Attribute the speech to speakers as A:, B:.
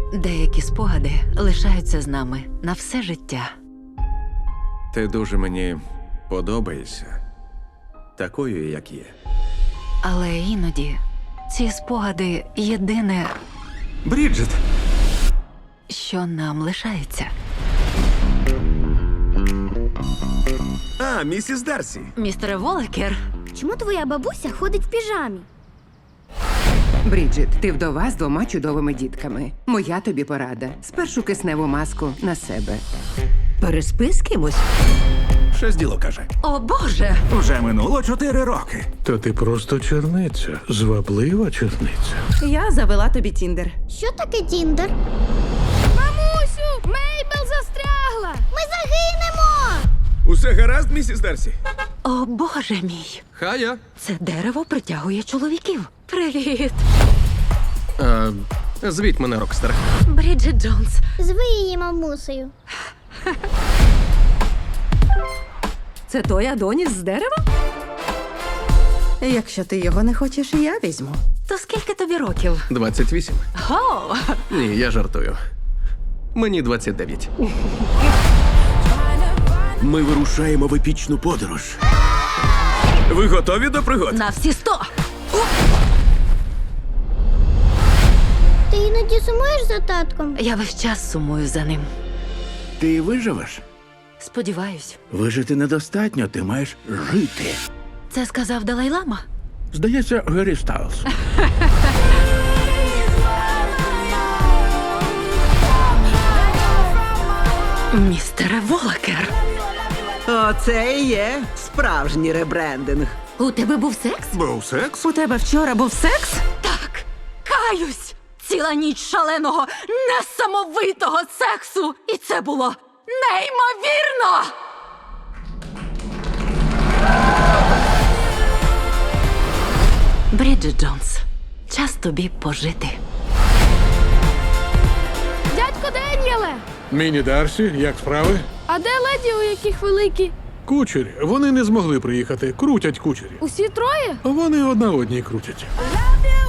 A: Деякі спогади лишаються з нами на все життя.
B: Ти дуже мені подобаєшся. Такою, як є.
A: Але іноді ці спогади єдине,
B: Бріджит!
A: що нам лишається.
B: А, місіс Дарсі.
A: Містере Волекер,
C: Чому твоя бабуся ходить в піжамі?
D: Бріджит, ти вдова з 2 чудовими дітками. Моя тобі порада. Спершу кисневу маску на себе.
E: Переспи з кимось?
B: Щось діло каже.
A: о Боже!
F: Уже минуло 4 роки.
G: Та ти просто черниця, зваблива черниця.
E: Я завела тобі Тіндер.
C: Що таке Тіндер? Мамусю, Мейбл застрягла! Ми загинемо!
B: Усе гаразд, місіс Дарсі?
A: О Боже мій!
B: Хая.
A: Це дерево притягує чоловіків. Привіт!
B: Звіть мене, Рокстер.
A: Бріджит Джонс.
C: Зви її мамусею.
E: Це той Адоніс з дерева? Якщо ти його не хочеш, я візьму.
A: То скільки тобі років?
B: 28.
A: О!
B: Ні, я жартую. Мені 29. Ми вирушаємо в епічну подорож. Ви готові до пригод?
A: На всі 100!
C: Ти іноді сумуєш за татком?
A: Я весь час сумую за ним.
F: Ти виживеш?
A: Сподіваюсь.
F: Вижити недостатньо, ти маєш жити.
A: Це сказав Далай-Лама?
F: Здається, Гері Стайлз.
A: Містере Волекер.
E: Оце і є справжній ребрендинг.
A: У тебе був секс?
F: Був секс?
E: У тебе вчора був секс?
A: Так, каюсь! Ціла ніч шаленого, несамовитого сексу! І це було неймовірно! Бріджит Джонс, час тобі пожити.
C: Дядько Деніеле!
G: Міні Дарсі, як справи?
C: А де леді, у яких великі?
G: Кучері. Вони не змогли приїхати. Крутять кучері.
C: Усі троє?
G: Вони одна одній крутять.
C: Love you,